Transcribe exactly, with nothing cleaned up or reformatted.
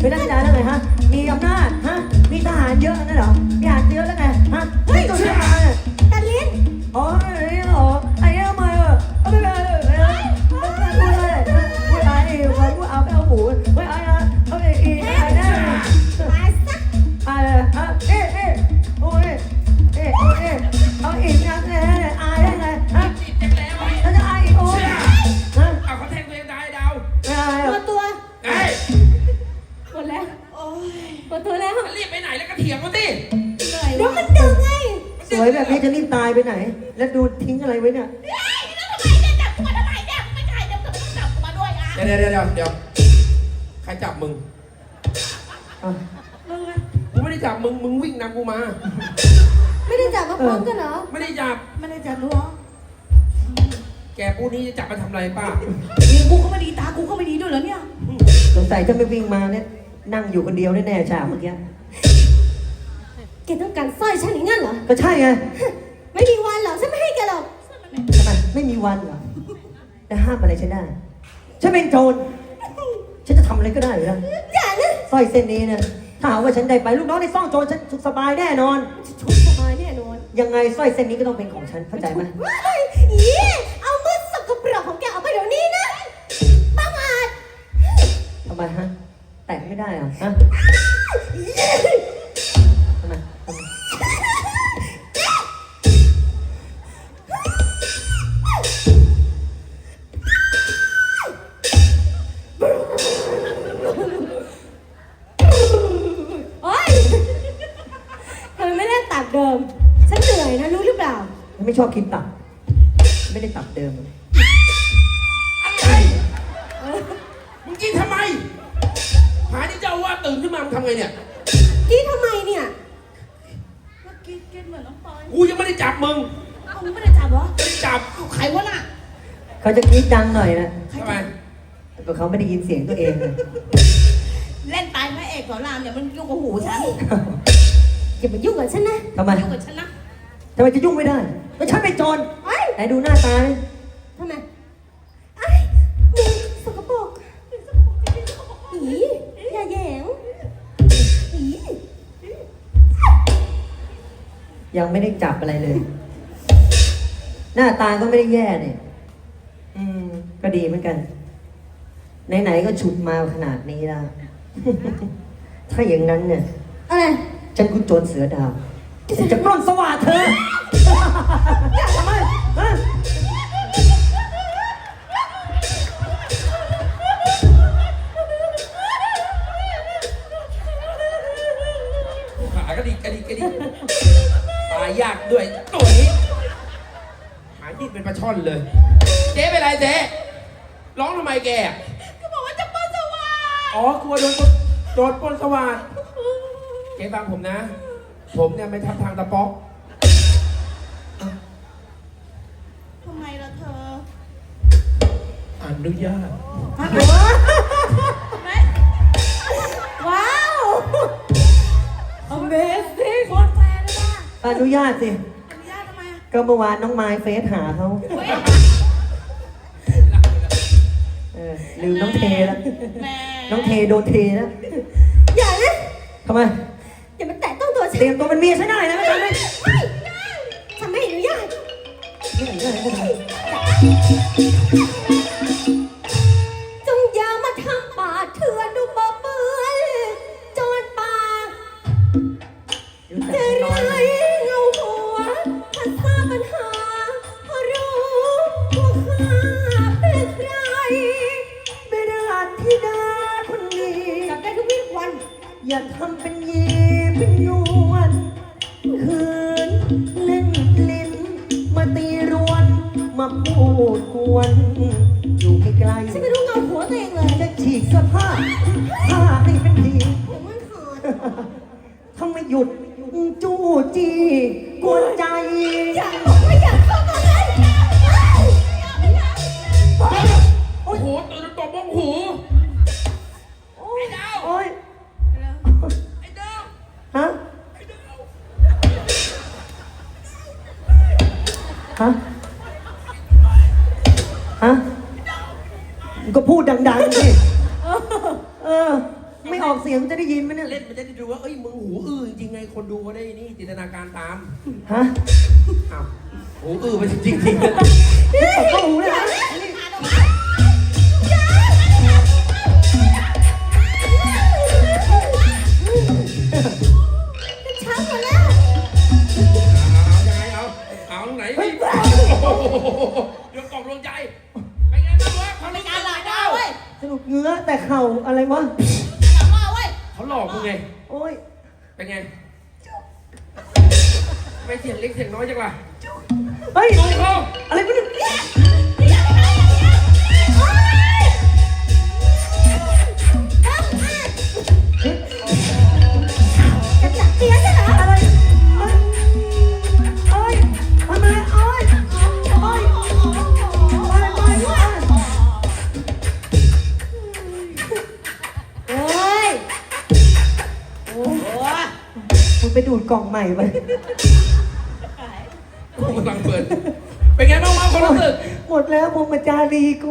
เป็นราชการแล้วไงฮะมีอำนาจฮะมีทหารเยอะนั่นเหรอมีทหารเยอะแล้วไงฮะเฮ้ยตัวทหารตัดลิ้นอ๋อไอ้นี่เหรอไอ้นี่ทำไมอ่ะเอาไปเลยพูดอะไรพูดอะไรพูดเอาไปเอาหมูไว้ไอ้อะเอาไปอีไอ้เนี่ยไอ้สักไอ้ฮะเอ๊ะเอ๊ะโอ้ยเอ๊ะโอ้ยเอาอีกนะเนี่ยไอ้ได้ไงฮะแล้วจะไอ้โอ้ยฮะเอาเขาแทงตัวเองได้ดาวตัวตัวไอ้หมดแล้วโอ้ยหมดตัวแล้วรีบไปไหนแล้วก็เถียงเขาสิเดี๋ยวมันดึงไงสวยแบบนี้จะรีบตายไปไหนแล้วดูทิ้งอะไรไว้เนี่ยเฮ้ยแล้วทำไมเนี่ยจับตัวทำไมเนี่ยไม่ใช่เดี๋ยวต้องจับมาด้วยอ่ะเดี๋ยวเดี๋ยวเดี๋ยวเดี๋ยวใครจับมึงมึงอะกูไม่ได้จับมึงมึงวิ่งนำกูมาไม่ได้จับมาพร้อมกันเหรอไม่ได้จับไม่ได้จับหรอแกพูดนี้จะจับมาทำอะไรป้านี่กูก็ไม่ดีตากูก็ไม่ดีด้วยเหรอเนี่ยสงสัยจะไม่วิ่งมาเนี่ยนั่งอยู่คนเดียวแน่ๆฉากเมื่อกี้แกต้องการสร้อยฉันอย่างนั้นเหรอก็ใช่ไงไม่มีวันหรอกฉันไม่ให้แกหรอกทำไมไม่มีวันเหรอแต่ห้ามอะไรฉันได้ฉันเป็นโจรฉันจะทำอะไรก็ได้เหรออย่านะสร้อยเส้นนี้เนี่ยถ้าหากว่าฉันได้ไปลูกน้องในซ่องโจรฉันสุขสบายแน่นอนสุขสบายแน่นอนยังไงสร้อยเส้นนี้ก็ต้องเป็นของฉันเข้าใจไหมอีเอามือสกปรกของแกเอาไปเดี๋ยวนี้นะบังอาจทำไมฮะแตะไม่ได้เหรอฮะทำไมทำไมโอ๊ยทำไมไม่ได้ตัดเดิมฉันเหนื่อยนะรู้หรือเปล่าไม่ชอบกินตับไม่ได้ตับเดิมอะไรมึงกินทำไมหาที่เจ้าว่าตื่นขึ้นมามึงทำไงเนี่ยกินทำไมเนี่ยเมื่อกี้กินเหมือนน้องปอยกูยังไม่ได้จับมึงมึงไม่ได้จับเหรอไม่ได้จับใครวะน่ะเขาจะคิดดังหน่อยนะทำไมแต่เขาไม่ได้ยินเสียงตัวเองเลยเล่นตายพระเอกสอนรามเนี่ยมันยุ่งกับหูฉันอย่ามายุ่งกับฉันนะทำไมยุ่งกับฉันนะทำไมจะยุ่งไม่ได้ก็ฉันเป็นโจรไหนดูหน้าตาทำไมไอ้มึงสกปรกอีอย่าแย่งอียังไม่ได้จับอะไรเลย หน้าตาก็ไม่ได้แย่เนี่ยอืมก็ดีเหมือนกันไหนๆก็ฉุดมาขนาดนี้แล้ว ถ้าอย่างนั้นเนี่ยอะไรฉันคุณโจรเสือดาวฉันจะปล้นสว่างเธอทำไมฮะขากระดิกกระดิกกระดิกตายยากด้วยตัวนี้หาที่เป็นปลาช่อนเลยเจ๊เป็นไรเจ๊ร้องทำไมแกก็บอกว่าจะปล้นสว่างอ๋อกลัวโดนโดนปล้นสว่างเจ๊ฟังผมนะผมเนี่ยไม่ทำทางตะป๊อกทำไมล่ะเธออนุญาตว้าว Amazing โคตรแฟนเลยว่ะอนุญาตสิอนุญาตทำไมอ่ะก็เมื่อวานน้องไม้เฟซหาเขาเออลืมน้องเทแล้วน้องเทโดนเทแล้วอย่านะทำไมอย่ามาแตะต้องตัวฉันเตรียมตัวเป็นเมียฉันได้นะไม่ทำไม่ไม่ฉันไม่อนุญาตไม่อนุญาตก็ทำจงอย่ามาทำป่าเถื่อนดูบ่เปื้อนโจรป่าจะไรเงาหัวถ้าทราบปัญหาพอรู้ว่าข้าเป็นใครไม่ได้ที่ดาคนนี้จับได้ทุกวี่วันอย่าทำเป็นเย่เป็นยวนคืนเล่นลิ้นมาตีรวนมาพูดกวนอยู่ไกลๆฉันไม่รู้เงาหัวตัวเองเลยจะฉีกเสื้อผ้าผ้าให้เป็นผีผมมันขาดทำไมหยุดจู้จี้กวนใจอย่าบอกว่าอย่าเข้ามาเลยโอ้โหตื่นตบบ้องหูไอ้ดาวโอ้ยไอ้ดาวฮะฮะฮะก็พูดดังๆสิเออไม่ออกเสียงจะได้ยินไหมเนี่ยเล่นมันจะได้ดูว่าเอ้ยมึงหูอื้อจริงๆไงคนดูก็ได้นี่จินตนาการตามฮะอ้าวหูอื้อไปจริงๆจริงๆตบเข้าหูเลยนะนี่ช้าหมดแล้วเอายังไงเอาเอาตรงไหนเฮ้ยโอ้โหเดี๋ยวกล่องดวงใจเป็นไงบ้างวะเขาไม่การหลอกเจ้าสนุกเงื้อแต่เข่าอะไรวะเขาหลอกมึงไงโอ้ยเป็นไงไม่เสียงเล็กเสียงน้อยจังล่ะเฮ้ยดูเขาอะไรวะเนี่ยจะจับเสียใช่เหรออะไรเอ้ยเอ้ยทำไมเอ้ยเอ้ยเอ้ยเอ้ยเอ้ยโอ้ยโอ้ยมึงไปดูดกล่องใหม่ไปกำลังเปิดเป็นไงบ้างวะคนรู้สึกหมดแล้วพรหมจารีกู